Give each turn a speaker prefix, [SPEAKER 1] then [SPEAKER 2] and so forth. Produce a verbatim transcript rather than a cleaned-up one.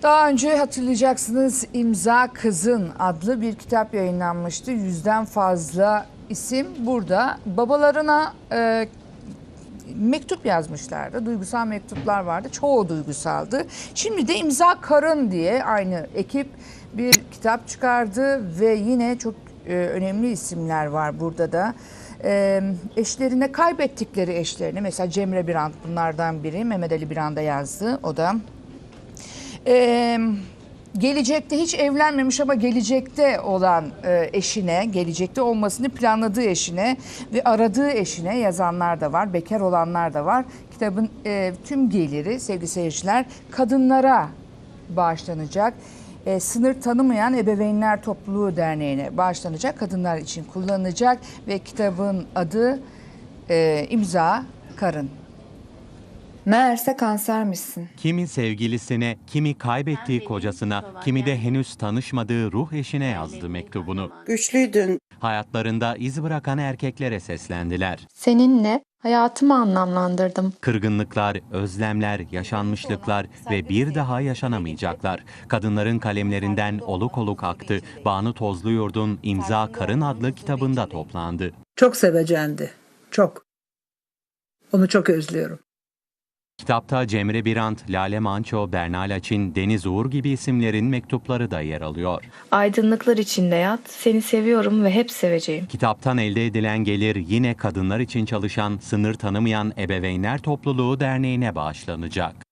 [SPEAKER 1] Daha önce hatırlayacaksınız İmza Kızın adlı bir kitap yayınlanmıştı. Yüzden fazla isim burada. Babalarına e, mektup yazmışlardı. Duygusal mektuplar vardı. Çoğu duygusaldı. Şimdi de İmza Karın diye aynı ekip bir kitap çıkardı ve yine çok e, önemli isimler var burada da. E, eşlerine kaybettikleri eşlerini, mesela Cemre Birant bunlardan biri. Mehmet Ali Birand'a yazdı o da. Ee, gelecekte hiç evlenmemiş ama gelecekte olan e, eşine, gelecekte olmasını planladığı eşine ve aradığı eşine yazanlar da var, bekar olanlar da var. Kitabın e, tüm geliri sevgili seyirciler kadınlara bağışlanacak. E, sınır tanımayan Ebeveynler Topluluğu Derneği'ne bağışlanacak, kadınlar için kullanılacak ve kitabın adı e, İmza Karın.
[SPEAKER 2] Meğerse kansermişsin.
[SPEAKER 3] Kimi sevgilisine, kimi kaybettiği kocasına, kimi de henüz tanışmadığı ruh eşine yazdı mektubunu.
[SPEAKER 4] Güçlüydün.
[SPEAKER 3] Hayatlarında iz bırakan erkeklere seslendiler.
[SPEAKER 2] Seninle hayatımı anlamlandırdım.
[SPEAKER 3] Kırgınlıklar, özlemler, yaşanmışlıklar ve bir daha yaşanamayacaklar. Kadınların kalemlerinden oluk oluk aktı. Banu Tozluyurt'un İmza Karın adlı kitabında toplandı.
[SPEAKER 4] Çok sevecendi. Çok. Onu çok özlüyorum.
[SPEAKER 3] Kitapta Cemre Birant, Lale Manço, Berna Laçin, Deniz Uğur gibi isimlerin mektupları da yer alıyor.
[SPEAKER 5] Aydınlıklar içinde yat, seni seviyorum ve hep seveceğim.
[SPEAKER 3] Kitaptan elde edilen gelir yine kadınlar için çalışan, sınır tanımayan Ebeveynler Topluluğu Derneği'ne bağışlanacak.